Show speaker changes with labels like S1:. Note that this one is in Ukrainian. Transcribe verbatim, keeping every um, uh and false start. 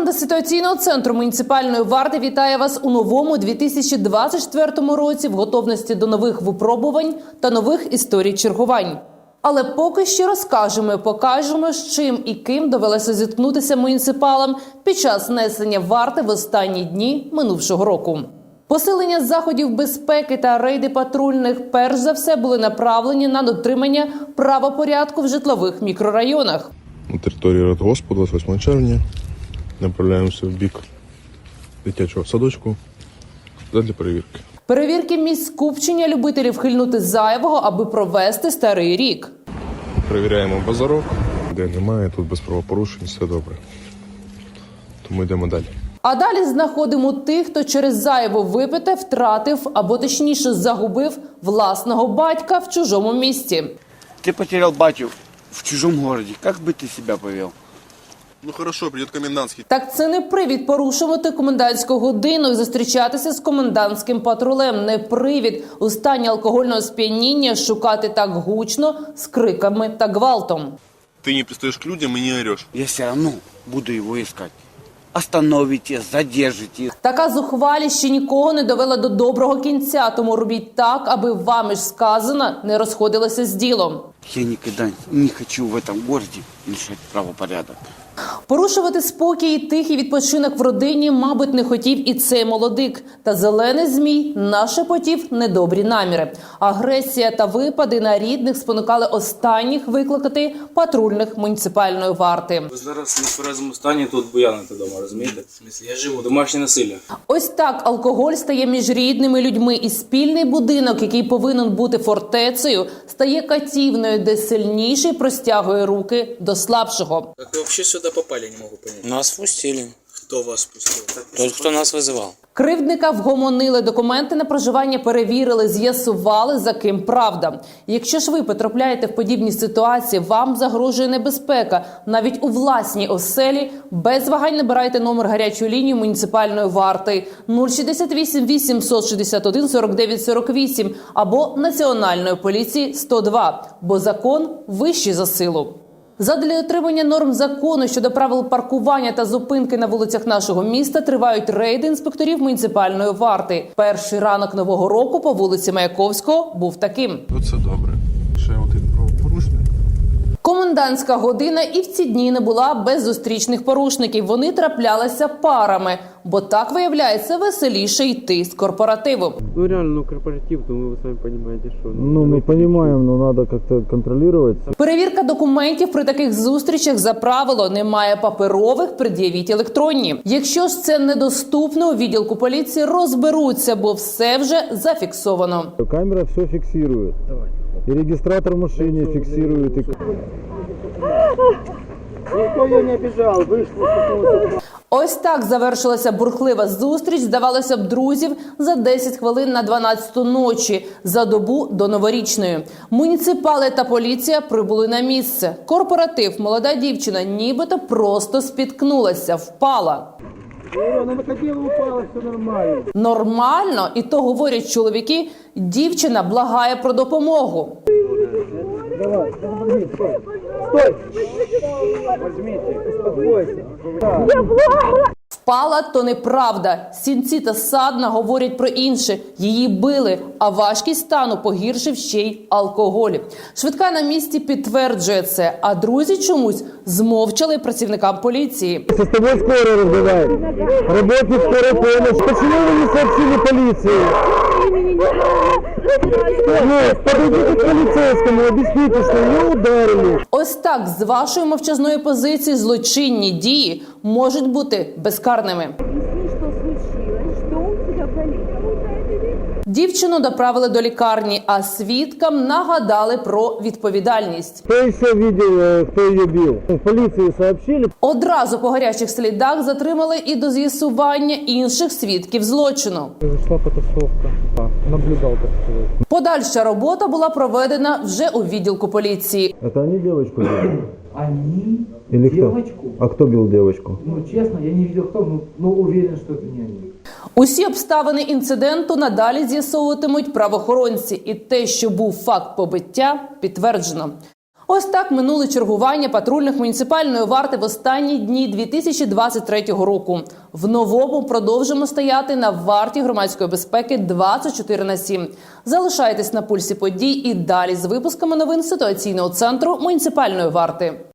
S1: Команда ситуаційного центру муніципальної варти вітає вас у новому дві тисячі двадцять четвертому році в готовності до нових випробувань та нових історій чергувань. Але поки що розкажемо і покажемо, з чим і ким довелося зіткнутися муніципалам під час несення варти в останні дні минувшого року. Посилення заходів безпеки та рейди патрульних перш за все були направлені на дотримання правопорядку в житлових мікрорайонах.
S2: На території Радгоспу двадцять восьмого червня направляємося в бік дитячого садочку для перевірки.
S1: Перевірки місць скупчення любителів хильнути зайвого, аби провести старий рік.
S2: Перевіряємо базарок, де немає, тут без правопорушень, все добре. Тому йдемо далі.
S1: А далі знаходимо тих, хто через зайво випите втратив, або точніше загубив власного батька в чужому місті.
S3: Ти потеряв батю в чужому місті, як би ти себе повів?
S2: Ну хорошо, прийде комендантський.
S1: Так це не привід порушувати комендантську годину і зустрічатися з комендантським патрулем. Не привід у стані алкогольного сп'яніння шукати так гучно з криками та гвалтом.
S2: Ти не пристаєш к людям і не ореш.
S3: Я все одно буду його шукати. Остановите, задержите.
S1: Така зухвалість ще нікого не довела до доброго кінця, тому робіть так, аби вами ж сказано не розходилося з ділом.
S3: Я ніколи не хочу в цьому місті нарушати правопорядок.
S1: Порушувати спокій і тихий відпочинок в родині, мабуть, не хотів і цей молодик. Та зелений змій нашепотів недобрі наміри. Агресія та випади на рідних спонукали останніх викликати патрульних муніципальної варти.
S4: Ви зараз не в тверезому стані тут буяните вдома, розумієте? В смислі, я живу, домашнє насилля.
S1: Ось так алкоголь стає між рідними людьми, і спільний будинок, який повинен бути фортецею, стає катівною, де сильніший простягує руки до слабшого.
S4: Как вы вообще сюда попали, не могу понять.
S5: Нас впустили.
S4: Кто вас пустил?
S5: Тот, кто нас вызывал.
S1: Кривдника вгомонили, документи на проживання перевірили, з'ясували, за ким правда. Якщо ж ви потрапляєте в подібні ситуації, вам загрожує небезпека. Навіть у власній оселі без вагань набирайте номер гарячої лінії муніципальної варти нуль шістдесят вісім вісімсот шістдесят один сорок дев'ять сорок вісім або Національної поліції сто два, бо закон вищий за силу. Задля дотримання норм закону щодо правил паркування та зупинки на вулицях нашого міста тривають рейди інспекторів муніципальної варти. Перший ранок нового року по вулиці Маяковського був таким.
S2: Оце добре. Ще один правопорушник.
S1: Комендантська година і в ці дні не була без зустрічних порушників. Вони траплялися парами, бо так, виявляється, веселіше йти з корпоративу.
S6: Ну реально, ну корпоратив, то вы сами понимаете, что...
S7: Ну, мы понимаем, но надо как-то контролировать.
S1: Перевірка документів при таких зустрічах за правило немає паперових, пред'явіть електронні. Якщо ж це недоступно, у відділку поліції розберуться, бо все вже зафіксовано.
S7: Камера все фиксирует. И регистратор в машине фиксирует. И...
S6: Никто ее не обижал, вышло.
S1: Ось так завершилася бурхлива зустріч, здавалося б, друзів за десять хвилин на дванадцяту ночі, за добу до новорічної. Муніципали та поліція прибули на місце. Корпоратив, молода дівчина нібито просто спіткнулася, впала.
S6: Она выходила, упала, все нормально.
S1: Нормально? І то говорять чоловіки, дівчина благає про допомогу.
S6: Давай, стой, стой. Возьмите, успокойся.
S1: Впала – то неправда. Сінці та Садна говорять про інше. Її били, а важкість стану погіршив ще й алкоголь. Швидка на місці підтверджує це, а друзі чомусь змовчали працівникам поліції.
S7: С тобой скоро разговаривает. Работник скорой помощи. Почему вы не сообщили полиции? Ну, подойдите к полицейскому, объясните, что ее ударили.
S1: Ось так, з вашої мовчазної позиції злочинні дії можуть бути безкарними. Дівчину доправили до лікарні, а свідкам нагадали про відповідальність.
S7: Кто еще видел, кто ее бил? В полиции сообщили?
S1: Одразу по гарячих слідах затримали і до з'ясування інших свідків злочину.
S6: Зашла потасовка. Наблюдал, так сказать.
S1: Подальша робота була проведена вже у відділку поліції.
S7: Это они девочку били?
S8: Они
S7: Или кто?
S8: девочку.
S7: А кто бил девочку?
S8: Ну, честно, я не видел кто, но, но уверен, что это не они.
S1: Усі обставини інциденту надалі з'ясовуватимуть правоохоронці. І те, що був факт побиття, підтверджено. Ось так минули чергування патрульних муніципальної варти в останні дні дві тисячі двадцять третього року. В новому продовжимо стояти на варті громадської безпеки двадцять чотири на сім. Залишайтесь на пульсі подій і далі з випусками новин ситуаційного центру муніципальної варти.